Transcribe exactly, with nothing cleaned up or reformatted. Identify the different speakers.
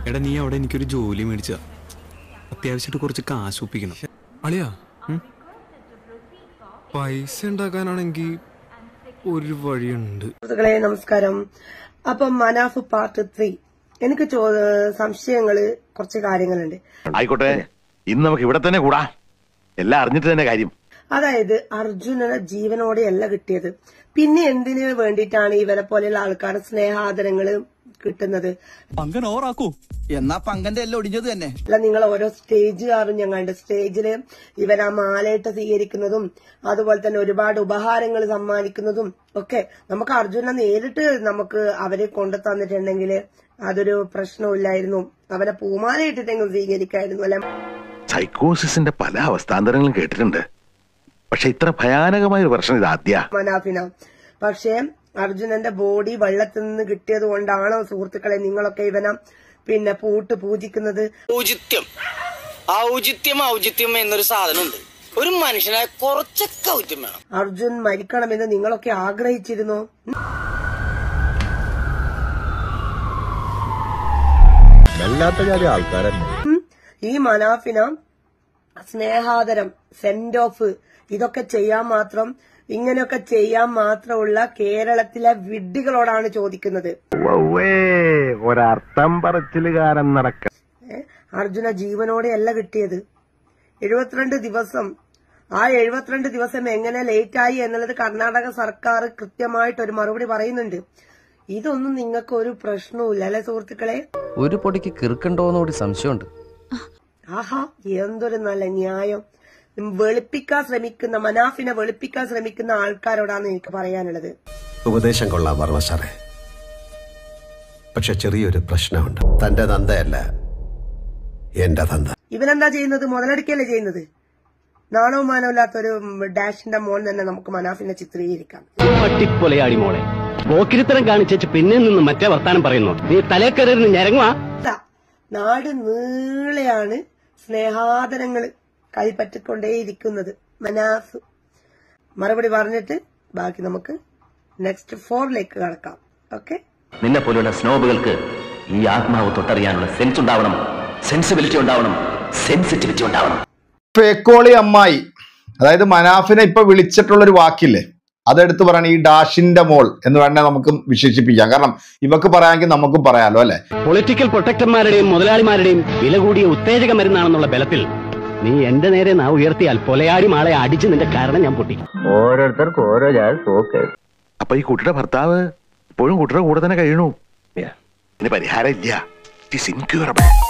Speaker 1: എടാ നീ അവിടെ എനിക്കൊരു ജോലി മേടിച്ച അത്യാവശ്യമായിട്ട് കുറച്ച് കാശ് ഒപ്പിക്കണം.
Speaker 2: അളിയാ പൈസ ഉണ്ടാക്കാനാണെങ്കിൽ ഒരു വഴിയുണ്ട്.
Speaker 3: നമസ്കാരം. അപ്പം മനാഫ് പാർട്ട് ത്രീ എനിക്ക് സംശയങ്ങള് കുറച്ച് കാര്യങ്ങളുണ്ട്.
Speaker 4: ആയിക്കോട്ടെ, ഇന്ന് നമുക്ക് ഇവിടെ തന്നെ കൂടാ, എല്ലാം അറിഞ്ഞിട്ട് തന്നെ കാര്യം.
Speaker 3: അതായത് അർജുനനെ ജീവനോടെയല്ല കിട്ടിയത്, പിന്നെ എന്തിനു വേണ്ടിയിട്ടാണ് ഇവരെ പോലെയുള്ള ആൾക്കാരുടെ സ്നേഹാദരങ്ങള് കിട്ടുന്നത്?
Speaker 5: പങ്കൻ ഓറാക്കൂ എന്നാ പങ്കന്റെ എല്ലാം ഒടിഞ്ഞത് തന്നെ
Speaker 3: അല്ല, നിങ്ങൾ ഓരോ സ്റ്റേജ് കാരണം ഞങ്ങളുടെ സ്റ്റേജില് ഇവരാ മാലയിട്ട് സ്വീകരിക്കുന്നതും അതുപോലെ തന്നെ ഒരുപാട് ഉപഹാരങ്ങൾ സമ്മാനിക്കുന്നതും ഒക്കെ നമുക്ക് അർജുനെ നേരിട്ട് നമുക്ക് അവരെ കൊണ്ടു തന്നിട്ടുണ്ടെങ്കിൽ അതൊരു പ്രശ്നമില്ലായിരുന്നു. അവനെ പൂമാല ഇട്ടിട്ടെങ്കിലും സ്വീകരിക്കായിരുന്നു അല്ലെ.
Speaker 4: സൈക്കോസിന്റെ പല അവസ്ഥാന്തരങ്ങളും കേട്ടിട്ടുണ്ട്, പക്ഷെ ഇത്ര ഭയാനകമായ ഒരു പ്രശ്നം ഇത് ആദ്യ
Speaker 3: മനാഫിന. പക്ഷേ അർജുനന്റെ ബോഡി വെള്ളത്തിൽ നിന്ന് കിട്ടിയത് കൊണ്ടാണോ സുഹൃത്തുക്കളെ നിങ്ങളൊക്കെ ഇവനെ പിന്നെ പൂട്ട് പൂജിക്കുന്നത്?
Speaker 6: ഔചിത്യം ഔചിത്യം ഔചിത്യം എന്നൊരു സാധനമുണ്ട്. ഒരു മനുഷ്യനായ കുറച്ചൊക്കെ ഔചിത്യം വേണം.
Speaker 3: അർജുൻ മരിക്കണമെന്ന് നിങ്ങളൊക്കെ ആഗ്രഹിച്ചിരുന്നോ? ഈ മനാഫിന സ്നേഹാദരം, സെൻഡ് ഓഫ്, ഇതൊക്കെ ചെയ്യാൻ മാത്രം ഇങ്ങനെയൊക്കെ ചെയ്യാൻ മാത്രമുള്ള കേരളത്തിലെ വിഡ്ഢികളോടാണ് ചോദിക്കുന്നത്.
Speaker 4: ഒരർത്ഥം പറച്ചിലുകാരൻ നടക്ക.
Speaker 3: അർജുന ജീവനോടെയല്ല കിട്ടിയത്. എഴുപത്തിരണ്ട് ദിവസം ആ എഴുപത്തിരണ്ട് ദിവസം എങ്ങനെ ലേറ്റായി എന്നുള്ളത് കർണാടക സർക്കാർ കൃത്യമായിട്ട് ഒരു മറുപടി പറയുന്നുണ്ട്. ഇതൊന്നും നിങ്ങൾക്ക് ഒരു പ്രശ്നവുമില്ല അല്ലെ സുഹൃത്തുക്കളെ?
Speaker 7: ഒരു പൊടിക്ക് കിറുക്കണ്ടോന്നുകൂടി സംശയമുണ്ട്.
Speaker 3: ആഹാ, എന്തൊരു നല്ല ന്യായം. വെളുപ്പിക്കാൻ ശ്രമിക്കുന്ന മനാഫിനെ വെളുപ്പിക്കാൻ ശ്രമിക്കുന്ന ആൾക്കാരോടാണ് എനിക്ക് പറയാനുള്ളത്.
Speaker 8: ഉപദേശം കൊള്ളാം വർമ്മ സാറേ, പക്ഷെ ചെറിയൊരു പ്രശ്നമുണ്ട്. തന്റെ തന്തയല്ല എന്റെ തന്ത.
Speaker 3: ഇവനെന്താ ചെയ്യുന്നത്? മുതലെടുക്കല്ലേ ചെയ്യുന്നത്? നാണവും മാനവും ഇല്ലാത്തൊരു ഡാഷിന്റെ മോൻ തന്നെ നമുക്ക് മനാഫിനെ ചിത്രീകരിക്കാം.
Speaker 9: പട്ടിക്കൊലയാടി മോളെ, പോക്കിരിത്തരം കാണിച്ചു പിന്നെ നിന്ന് മറ്റേ വർത്താനം പറയുന്നു. നീ തലേക്കറിന് ഞരങ്ങുവാ.
Speaker 3: നാട് നീളെയാണ് സ്നേഹാദരങ്ങള് കൈപ്പറ്റിക്കൊണ്ടേയിരിക്കുന്നത്. മനാഫ് മറുപടി പറഞ്ഞിട്ട് ബാക്കി നമുക്ക് നെക്സ്റ്റ് ഫോറിലേക്ക് കടക്കാം. ഓക്കെ,
Speaker 10: നിന്നെ പോലുള്ള സ്നോബുകൾക്ക് ഈ ആത്മാവ് തൊട്ടറിയാനുള്ള സെൻസ് ഉണ്ടാവണം, സെൻസിബിലിറ്റി ഉണ്ടാവണം, സെൻസിറ്റിവിറ്റി ഉണ്ടാവണം.
Speaker 11: ഫേക്കോളി അമ്മായി, അതായത് മനാഫിനെ ഇപ്പൊ വിളിച്ചിട്ടുള്ളൊരു വാക്കില്ലേ, അതെടുത്ത് പറയണം ഈ ഡാഷിന്റെ മോൾ എന്ന് വേണേ നമുക്ക് വിശേഷിപ്പിക്കാം. കാരണം ഇവക്ക് പറയാമെങ്കിൽ നമുക്കും പറയാലോ അല്ലെ.
Speaker 9: പൊളിറ്റിക്കൽ പ്രൊട്ടക്ടർമാരുടെയും മുതലാളിമാരുടെയും വില കൂടിയ ഉത്തേജക മരുന്നാണെന്നുള്ള ബലത്തിൽ നീ എന്റെ നേരെ നാ ഉയർത്തിയാൽ കൊലയാടി മാളെ അടിച്ച് നിന്റെ കാരണം ഞാൻ പൊട്ടി.
Speaker 10: ഓരോരുത്തർക്കും ഓരോ ജാതി.
Speaker 4: അപ്പൊ ഈ കുട്ടിയുടെ ഭർത്താവ് ഇപ്പോഴും കുട്ടിയുടെ കൂടെ തന്നെ കഴിയണു. ഇനി പരിഹാരം ഇല്ല.